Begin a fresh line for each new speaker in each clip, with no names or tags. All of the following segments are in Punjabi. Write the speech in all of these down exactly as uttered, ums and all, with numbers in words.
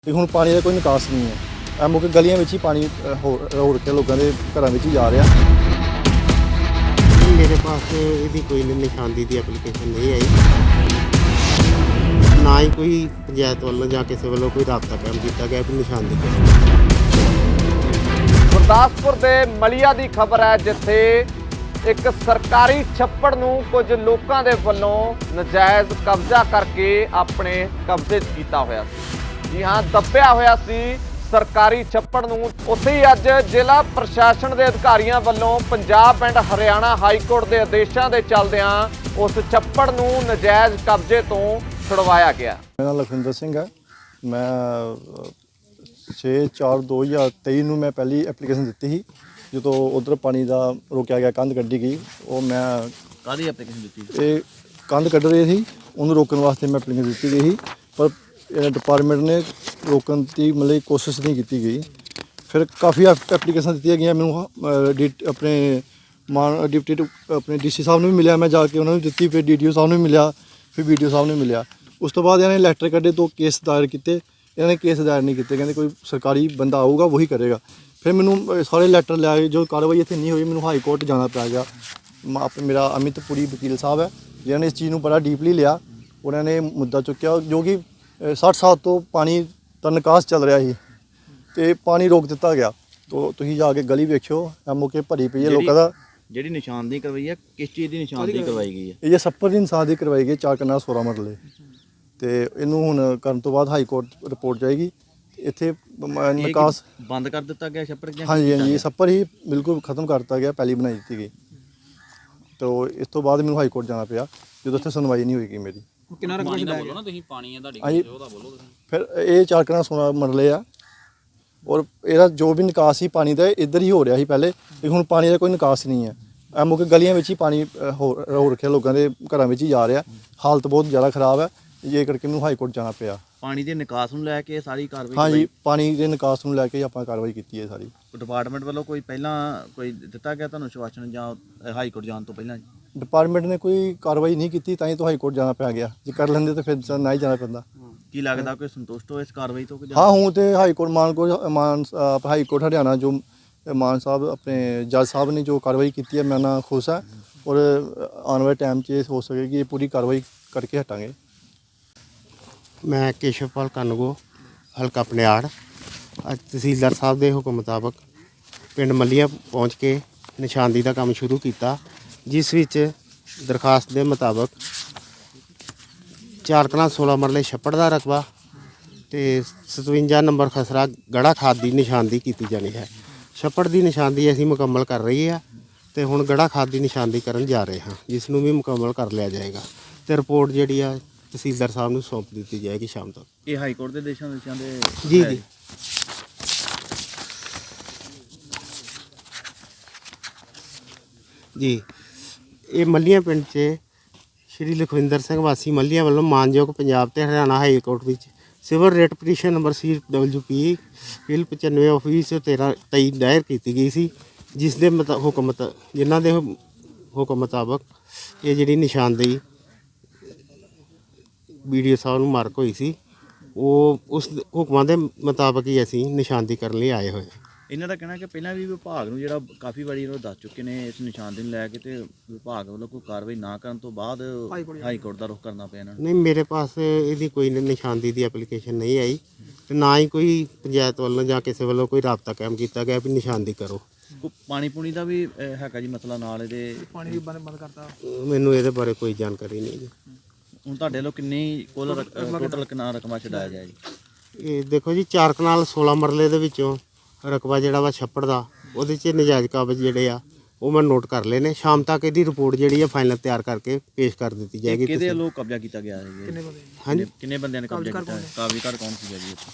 ਤੇ ਹੁਣ ਪਾਣੀ ਦਾ ਕੋਈ ਨਿਕਾਸ ਨਹੀਂ ਹੈ। ਇਹ ਮੁੱਕ ਗਲੀਆਂ ਵਿੱਚ ਹੀ ਪਾਣੀ ਹੋ ਹੋ ਰੱਖਿਆ, ਲੋਕਾਂ ਦੇ ਘਰਾਂ ਵਿੱਚ ਹੀ ਜਾ ਰਿਹਾ।
मेरे पास ਇਹਦੀ ਕੋਈ ਨਿਸ਼ਾਨਦੀ ਦੀ ਐਪਲੀਕੇਸ਼ਨ ਨਹੀਂ ਆਈ, ਨਾ ਹੀ ਕੋਈ ਪੰਚਾਇਤ ਵੱਲੋਂ ਜਾਂ ਕਿਸੇ ਵੱਲੋਂ ਕੋਈ ਰਾਬਤਾ ਕਾਇਮ ਕੀਤਾ ਗਿਆ ਕਿ ਨਿਸ਼ਾਨਦੀ ਕਰੋ।
ਗੁਰਦਾਸਪੁਰ ਦੇ ਮਲੀਆ ਦੀ ਖਬਰ ਹੈ, ਜਿੱਥੇ ਇੱਕ ਸਰਕਾਰੀ ਛੱਪੜ ਨੂੰ ਕੁਝ ਲੋਕਾਂ ਦੇ ਵੱਲੋਂ ਨਜਾਇਜ਼ ਕਬਜ਼ਾ ਕਰਕੇ ਆਪਣੇ ਕਬਜ਼ੇ 'ਚ ਕੀਤਾ ਹੋਇਆ ਸੀ। ਜੀ ਹਾਂ, ਦੱਬਿਆ ਹੋਇਆ ਸੀ ਸਰਕਾਰੀ ਛੱਪੜ ਨੂੰ। ਉੱਥੇ ਹੀ ਅੱਜ ਜ਼ਿਲ੍ਹਾ ਪ੍ਰਸ਼ਾਸਨ ਦੇ ਅਧਿਕਾਰੀਆਂ ਵੱਲੋਂ Punjab and Haryana high court ਦੇ ਆਦੇਸ਼ਾਂ ਦੇ ਚੱਲਦਿਆਂ ਉਸ ਛੱਪੜ ਨੂੰ ਨਜਾਇਜ਼ ਕਬਜ਼ੇ ਤੋਂ ਛੁਡਵਾਇਆ ਗਿਆ।
ਮੇਰਾ ਨਾਮ ਲਖਵਿੰਦਰ ਸਿੰਘ ਹੈ। ਮੈਂ ਛੇ ਚਾਰ ਦੋ ਹਜ਼ਾਰ ਤੇਈ ਨੂੰ ਮੈਂ ਪਹਿਲੀ ਐਪਲੀਕੇਸ਼ਨ ਦਿੱਤੀ ਸੀ, ਜਦੋਂ ਉਧਰ ਪਾਣੀ ਦਾ ਰੋਕਿਆ ਗਿਆ, ਕੰਧ ਕੱਢੀ ਗਈ। ਉਹ ਮੈਂ
ਕਾਹਦੀ ਐਪਲੀਕੇਸ਼ਨ ਦਿੱਤੀ?
ਇਹ ਕੰਧ ਕੱਢ ਰਹੇ ਸੀ, ਉਹਨੂੰ ਰੋਕਣ ਵਾਸਤੇ ਮੈਂ ਐਪਲੀਕੇਸ਼ਨ ਦਿੱਤੀ ਗਈ ਸੀ, ਪਰ ਡਿਪਾਰਟਮੈਂਟ ਨੇ ਰੋਕਣ ਦੀ ਮਤਲਬ ਕੋਸ਼ਿਸ਼ ਨਹੀਂ ਕੀਤੀ ਗਈ। ਫਿਰ ਕਾਫੀ ਐਪਲੀਕੇਸ਼ਨ ਦਿੱਤੀਆਂ ਗਈਆਂ। ਮੈਨੂੰ ਡੀ ਆਪਣੇ ਮਾਨ ਡਿਪਟੀ ਆਪਣੇ ਡੀ ਸੀ ਸਾਹਿਬ ਨੂੰ ਵੀ ਮਿਲਿਆ, ਮੈਂ ਜਾ ਕੇ ਉਹਨਾਂ ਨੂੰ ਦਿੱਤੀ। ਫਿਰ ਡੀ ਡੀ ਓ ਸਾਹਿਬ ਨੂੰ ਵੀ ਮਿਲਿਆ, ਫਿਰ ਬੀ ਡੀ ਓ ਸਾਹਿਬ ਨੂੰ ਮਿਲਿਆ। ਉਸ ਤੋਂ ਬਾਅਦ ਇਹਨਾਂ ਨੇ ਲੈਟਰ ਕੱਢੇ, ਦੋ ਕੇਸ ਦਾਇਰ ਕੀਤੇ। ਇਹਨਾਂ ਨੇ ਕੇਸ ਦਾਇਰ ਨਹੀਂ ਕੀਤੇ, ਕਹਿੰਦੇ ਕੋਈ ਸਰਕਾਰੀ ਬੰਦਾ ਆਊਗਾ ਉਹੀ ਕਰੇਗਾ। ਫਿਰ ਮੈਨੂੰ ਸਾਰੇ ਲੈਟਰ ਲੈ ਕੇ ਜੋ ਕਾਰਵਾਈ ਇੱਥੇ ਨਹੀਂ ਹੋਈ, ਮੈਨੂੰ ਹਾਈ ਕੋਰਟ ਜਾਣਾ ਪੈ ਗਿਆ। ਆਪਣੇ ਮੇਰਾ ਅਮਿਤ ਪੁਰੀ ਵਕੀਲ ਸਾਹਿਬ ਹੈ, ਜਿਨ੍ਹਾਂ ਨੇ ਇਸ ਚੀਜ਼ ਨੂੰ ਬੜਾ ਡੀਪਲੀ ਲਿਆ। ਉਹਨਾਂ ਨੇ ਮੁੱਦਾ ਚੁੱਕਿਆ, ਜੋ ਕਿ ਸੱਠ ਸਾਲ ਤੋਂ ਪਾਣੀ ਦਾ ਨਿਕਾਸ ਚੱਲ ਰਿਹਾ ਸੀ ਅਤੇ ਪਾਣੀ ਰੋਕ ਦਿੱਤਾ ਗਿਆ। ਤੋ ਤੁਸੀਂ ਜਾ ਕੇ ਗਲੀ ਵੇਖਿਓ, ਐਮ ਓ ਕੇ ਭਰੀ ਪਈ ਹੈ ਲੋਕਾਂ ਦਾ।
ਜਿਹੜੀ ਨਿਸ਼ਾਨਦੀ ਕਰਵਾਈ ਹੈ, ਕਿਸ ਚੀਜ਼ ਦੀ ਨਿਸ਼ਾਨਦੀ ਕਰਵਾਈ ਗਈ ਹੈ?
ਇਹ ਜੇ ਛੱਪੜ ਦੀ ਨਿਸ਼ਾਨਦੀ ਕਰਵਾਈ ਗਈ, ਚਾਰ ਕਨਾਲ ਸੋਲਾਂ ਮਰਲੇ। ਅਤੇ ਇਹਨੂੰ ਹੁਣ ਕਰਨ ਤੋਂ ਬਾਅਦ ਹਾਈ ਕੋਰਟ ਰਿਪੋਰਟ ਜਾਏਗੀ। ਇੱਥੇ ਨਿਕਾਸ
ਬੰਦ ਕਰ ਦਿੱਤਾ ਗਿਆ ਛੱਪੜ?
ਹਾਂਜੀ ਹਾਂਜੀ, ਛੱਪੜ ਹੀ ਬਿਲਕੁਲ ਖਤਮ ਕਰ ਦਿੱਤਾ ਗਿਆ, ਪਹਿਲੀ ਬਣਾਈ ਦਿੱਤੀ ਗਈ। ਤੋ ਇਸ ਤੋਂ ਬਾਅਦ ਮੈਨੂੰ ਹਾਈ ਕੋਰਟ ਜਾਣਾ ਪਿਆ, ਜਦੋਂ ਉੱਥੇ ਸੁਣਵਾਈ ਨਹੀਂ ਹੋਏਗੀ ਮੇਰੀ।
ਕਿੰਨਾ ਰਕਬਾ ਦਾ ਬੋਲੋ ਨਾ ਤੁਸੀਂ, ਪਾਣੀ ਹੈ ਤੁਹਾਡੀ
ਹਾਂਜੀ,
ਉਹਦਾ ਬੋਲੋ ਤੁਸੀਂ।
ਫਿਰ ਇਹ ਚਾਰ ਕਨਾਲ ਸੋਲਾਂ ਮਰਲੇ ਆ, ਔਰ ਇਹਦਾ ਜੋ ਵੀ ਨਿਕਾਸ ਸੀ ਪਾਣੀ ਦਾ ਇੱਧਰ ਹੀ ਹੋ ਰਿਹਾ ਸੀ ਪਹਿਲੇ। ਤੇ ਹੁਣ ਪਾਣੀ ਦਾ ਕੋਈ ਨਿਕਾਸ ਨਹੀਂ ਹੈ। ਇਹ ਮੁੱਕ ਗਲੀਆਂ ਵਿੱਚ ਹੀ ਪਾਣੀ ਹੋ ਹੋ ਰੱਖਿਆ, ਲੋਕਾਂ ਦੇ ਘਰਾਂ ਵਿੱਚ ਹੀ ਜਾ ਰਿਹਾ। ਹਾਲਤ ਬਹੁਤ ਜ਼ਿਆਦਾ ਖਰਾਬ ਹੈ, ਇਹ ਕਰਕੇ ਮੈਨੂੰ ਹਾਈ ਕੋਰਟ ਜਾਣਾ ਪਿਆ।
ਪਾਣੀ ਦੇ ਨਿਕਾਸ ਨੂੰ ਲੈ ਕੇ ਸਾਰੀ ਕਾਰਵਾਈ?
ਹਾਂਜੀ, ਪਾਣੀ ਦੇ ਨਿਕਾਸ ਨੂੰ ਲੈ ਕੇ ਆਪਾਂ ਕਾਰਵਾਈ ਕੀਤੀ ਹੈ ਸਾਰੀ।
ਡਿਪਾਰਟਮੈਂਟ ਵੱਲੋਂ ਕੋਈ ਪਹਿਲਾਂ ਕੋਈ ਦਿੱਤਾ ਗਿਆ ਤੁਹਾਨੂੰ ਆਸ਼ਵਾਸਨ ਜਾਂ ਹਾਈ ਕੋਰਟ ਜਾਣ ਤੋਂ ਪਹਿਲਾਂ?
ਡਿਪਾਰਟਮੈਂਟ ਨੇ ਕੋਈ ਕਾਰਵਾਈ ਨਹੀਂ ਕੀਤੀ, ਤਾਂ ਹੀ ਤਾਂ ਹਾਈ ਕੋਰਟ ਜਾਣਾ ਪੈ ਗਿਆ। ਜੇ ਕਰ ਲੈਂਦੇ ਤਾਂ ਫਿਰ ਨਾ ਹੀ ਜਾਣਾ ਪੈਂਦਾ।
ਕੀ ਲੱਗਦਾ ਕੋਈ ਸੰਤੁਸ਼ਟ ਹੋ ਇਸ ਕਾਰਵਾਈ ਤੋਂ?
ਹਾਂ, ਹੁਣ ਤੇ ਹਾਈ ਕੋਰਟ ਮਾਨ ਕੋਲ ਮਾਨ ਹਾਈ ਕੋਰਟ ਹਰਿਆਣਾ ਜੋ ਮਾਨ ਸਾਹਿਬ ਆਪਣੇ ਜੱਜ ਸਾਹਿਬ ਨੇ ਜੋ ਕਾਰਵਾਈ ਕੀਤੀ ਹੈ, ਮੈਂ ਨਾਲ ਖੁਸ਼ ਹਾਂ। ਔਰ ਆਉਣ ਵਾਲੇ ਟਾਈਮ 'ਚ ਇਹ ਹੋ ਸਕੇਗੀ, ਇਹ ਪੂਰੀ ਕਾਰਵਾਈ ਕਰਕੇ ਹਟਾਂਗੇ।
ਮੈਂ ਕੇਸ਼ਵਪਾਲ ਕਾਨੂੰਗੋ, ਹਲਕਾ ਪਨਿਆੜ। ਅੱਜ ਤਹਿਸੀਲਦਾਰ ਸਾਹਿਬ ਦੇ ਹੁਕਮ ਮੁਤਾਬਕ ਪਿੰਡ ਮੱਲੀਆਂ ਪਹੁੰਚ ਕੇ ਨਿਸ਼ਾਨਦੀ ਦਾ ਕੰਮ ਸ਼ੁਰੂ ਕੀਤਾ, ਜਿਸ ਵਿੱਚ ਦਰਖਾਸਤ ਦੇ ਮੁਤਾਬਕ ਚਾਰ ਕਨਾਲ ਸੋਲਾਂ ਮਰਲੇ ਛੱਪੜ ਦਾ ਰਕਬਾ ਅਤੇ ਸਤਵੰਜਾ ਨੰਬਰ ਖਸਰਾ ਗੜਾ ਖਾਦ ਦੀ ਨਿਸ਼ਾਨਦੀ ਕੀਤੀ ਜਾਣੀ ਹੈ। ਛੱਪੜ ਦੀ ਨਿਸ਼ਾਨਦੀ ਅਸੀਂ ਮੁਕੰਮਲ ਕਰ ਰਹੀ ਹਾਂ ਅਤੇ ਹੁਣ ਗੜਾ ਖਾਦ ਦੀ ਨਿਸ਼ਾਨਦੀ ਕਰਨ ਜਾ ਰਹੇ ਹਾਂ, ਜਿਸ ਨੂੰ ਵੀ ਮੁਕੰਮਲ ਕਰ ਲਿਆ ਜਾਏਗਾ ਅਤੇ ਰਿਪੋਰਟ ਜਿਹੜੀ ਆ ਤਹਿਸੀਲਦਾਰ ਸਾਹਿਬ ਨੂੰ ਸੌਂਪ ਦਿੱਤੀ ਜਾਏਗੀ ਸ਼ਾਮ ਤੱਕ।
ਇਹ ਹਾਈ ਕੋਰਟ ਦੇ ਦੇਸ਼ਾਂ ਦੇਸ਼ਾਂ ਦੇ
ਜੀ ਜੀ ਜੀ ਇਹ ਮੱਲੀਆਂ ਪਿੰਡ 'ਚ ਸ਼੍ਰੀ ਲਖਵਿੰਦਰ ਸਿੰਘ ਵਾਸੀ ਮੱਲੀਆਂ ਵੱਲੋਂ ਮਾਨਯੋਗ ਪੰਜਾਬ ਤੇ ਹਰਿਆਣਾ ਹਾਈ ਕੋਰਟ ਵਿੱਚ civil writ petition number C W P ਬਿੱਲ ਪਚਾਨਵੇਂ ਆਫਿਸ ਤੇਰ੍ਹਾਂ ਤੇਈ ਦਾਇਰ ਕੀਤੀ ਗਈ ਸੀ, ਜਿਸ ਦੇ ਮਤਾ ਹੁਕਮ ਮਤਾ ਜਿਨ੍ਹਾਂ ਦੇ ਹੁਕਮ ਮੁਤਾਬਕ ਇਹ ਜਿਹੜੀ ਨਿਸ਼ਾਨਦੇਹੀ ਬੀ ਡੀ ਓ ਸਾਹਿਬ ਨੂੰ ਮਾਰਕ ਹੋਈ ਸੀ, ਉਹ ਉਸ ਹੁਕਮਾਂ ਦੇ ਮੁਤਾਬਕ ਹੀ ਅਸੀਂ ਨਿਸ਼ਾਨਦੀ ਕਰਨ ਲਈ ਆਏ ਹੋਏ।
ਇਹਨਾਂ ਦਾ ਕਹਿਣਾ ਕਿ ਪਹਿਲਾਂ ਵੀ ਵਿਭਾਗ ਨੂੰ ਜਿਹੜਾ ਕਾਫੀ ਵਾਰੀ ਉਹ ਦੱਸ ਚੁੱਕੇ ਨੇ ਇਸ ਨਿਸ਼ਾਨਦੀ ਨੂੰ ਲੈ ਕੇ, ਤੇ ਵਿਭਾਗ ਵੱਲੋਂ ਕੋਈ ਕਾਰਵਾਈ ਨਾ ਕਰਨ ਤੋਂ ਬਾਅਦ ਹਾਈ ਕੋਰਟ ਦਾ ਰੁਖ ਕਰਨਾ ਪਿਆ ਇਹਨਾਂ ਨੂੰ।
ਨਹੀਂ, ਮੇਰੇ ਪਾਸ ਇਹਦੀ ਕੋਈ ਨਿਸ਼ਾਨਦੀ ਦੀ ਐਪਲੀਕੇਸ਼ਨ ਨਹੀਂ ਆਈ, ਤੇ ਨਾ ਹੀ ਕੋਈ ਪੰਚਾਇਤ ਵੱਲੋਂ ਜਾਂ ਕਿਸੇ ਵੱਲੋਂ ਕੋਈ ਰਾਬਤਾ ਕਾਇਮ ਕੀਤਾ ਗਿਆ ਵੀ ਨਿਸ਼ਾਨਦੀ ਕਰੋ।
ਪਾਣੀ ਪੂਣੀ ਦਾ ਵੀ ਹੈਗਾ ਜੀ ਮਸਲਾ ਨਾਲ? ਇਹਦੇ
ਪਾਣੀ ਵੀ ਬੰਦ ਬੰਦ ਕਰਤਾ।
ਮੈਨੂੰ ਇਹਦੇ ਬਾਰੇ ਕੋਈ ਜਾਣਕਾਰੀ ਨਹੀਂ ਜੀ।
ਹੁਣ ਤੁਹਾਡੇ ਵੱਲੋਂ ਕਿੰਨੀ ਕੁੱਲ ਟੋਟਲ ਕਿੰਨਾ ਰਕਮਾ ਛਡਾਇਆ ਜਾਏ ਜੀ?
ਇਹ ਦੇਖੋ ਜੀ, ਚਾਰ ਕਨਾਲ ਸੋਲਾਂ ਮਰਲੇ ਦੇ ਵਿੱਚੋਂ ਰਕਬਾ ਜਿਹੜਾ ਵਾ ਛੱਪੜ ਦਾ, ਉਹਦੇ 'ਚ ਨਜਾਇਜ਼ ਕਾਬਜ਼ ਜਿਹੜੇ ਆ ਉਹ ਮੈਂ ਨੋਟ ਕਰ ਲਏ ਨੇ। ਸ਼ਾਮ ਤੱਕ ਇਹਦੀ ਰਿਪੋਰਟ ਜਿਹੜੀ ਆ ਫਾਈਨਲ ਤਿਆਰ ਕਰਕੇ ਪੇਸ਼ ਕਰ ਦਿੱਤੀ ਜਾਏਗੀ।
ਕਿਹਦੇ ਵੱਲੋਂ ਕਬਜ਼ਾ ਕੀਤਾ ਗਿਆ ਹੈ?
ਕਿੰਨੇ ਬੰਦੇ?
ਹਾਂਜੀ,
ਕਿੰਨੇ ਬੰਦਿਆਂ ਨੇ ਕਬਜ਼ਾ ਕੀਤਾ ਹੈ? ਕਾਬਜ਼ੀਕਾਰ ਕੌਣ ਸੀਗਾ ਜੀ ਇੱਥੇ?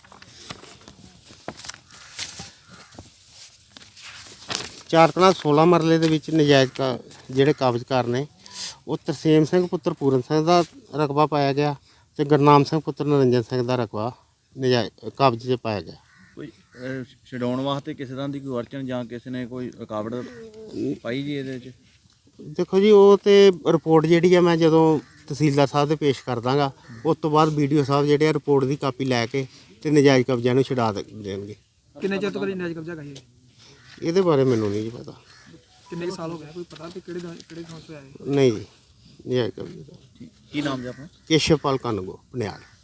ਚਾਰ ਕਨਾਲ ਸੋਲਾਂ ਮਰਲੇ ਦੇ ਵਿੱਚ ਨਜਾਇਜ਼ ਕਾ ਜਿਹੜੇ ਕਾਬਜ਼ਕਾਰ ਨੇ ਉਹ ਤਰਸੇਮ ਸਿੰਘ ਪੁੱਤਰ ਪੂਰਨ ਸਿੰਘ ਦਾ ਰਕਬਾ ਪਾਇਆ ਗਿਆ, ਅਤੇ ਗੁਰਨਾਮ ਸਿੰਘ ਪੁੱਤਰ ਨਰਿੰਜਨ ਸਿੰਘ ਦਾ ਰਕਬਾ ਨਜਾਇਜ਼ ਕਬਜ਼ੇ 'ਚ ਪਾਇਆ ਗਿਆ।
ਕੋਈ ਛਡਾਉਣ ਵਾਸਤੇ ਕਿਸੇ ਤਰ੍ਹਾਂ ਦੀ ਕੋਈ ਅੜਚਨ ਜਾਂ ਕਿਸੇ ਨੇ ਕੋਈ ਰੁਕਾਵਟ ਪਾਈ ਜੀ ਇਹਦੇ 'ਚ?
ਦੇਖੋ ਜੀ, ਉਹ ਤੇ ਰਿਪੋਰਟ ਜਿਹੜੀ ਆ ਮੈਂ ਜਦੋਂ ਤਹਿਸੀਲਦਾਰ ਸਾਹਿਬ ਦੇ ਪੇਸ਼ ਕਰ ਦਾਂਗਾ, ਉਸ ਤੋਂ ਬਾਅਦ ਬੀ ਡੀ ਓ ਸਾਹਿਬ ਜਿਹੜੇ ਆ ਰਿਪੋਰਟ ਦੀ ਕਾਪੀ ਲੈ ਕੇ ਤੇ ਨਜਾਇਜ਼ ਕਬਜ਼ਿਆਂ ਨੂੰ ਛੁਡਾ ਦੇ- ਦੇਣਗੇ।
ਕਿੰਨੇ ਚਿਰ ਤੋਂ ਕਰੀ ਨਜਾਇਜ਼ ਕਬਜ਼ਾ ਕਹੀ
ਇਹਦੇ ਬਾਰੇ ਮੈਨੂੰ ਨਹੀਂ ਜੀ ਪਤਾ।
ਕਿੰਨੇ ਕੁ ਸਾਲ ਹੋ ਗਏ ਕੋਈ ਪਤਾ ਵੀ ਕਿਹੜੇ ਦਿਨ- ਕਿਹੜੇ ਥਾਂ ਤੋਂ ਆਏ
ਨਹੀਂ ਜੀ, ਨਜਾਇਜ਼ ਕਬਜ਼ੇ ਦਾ।
ਕੀ ਨਾਮ ਜੀ ਆਪਣਾ?
ਕੇਸ਼ਵਪਾਲ ਕਾਨੂੰਗੋ, ਪਨਿਆਲ।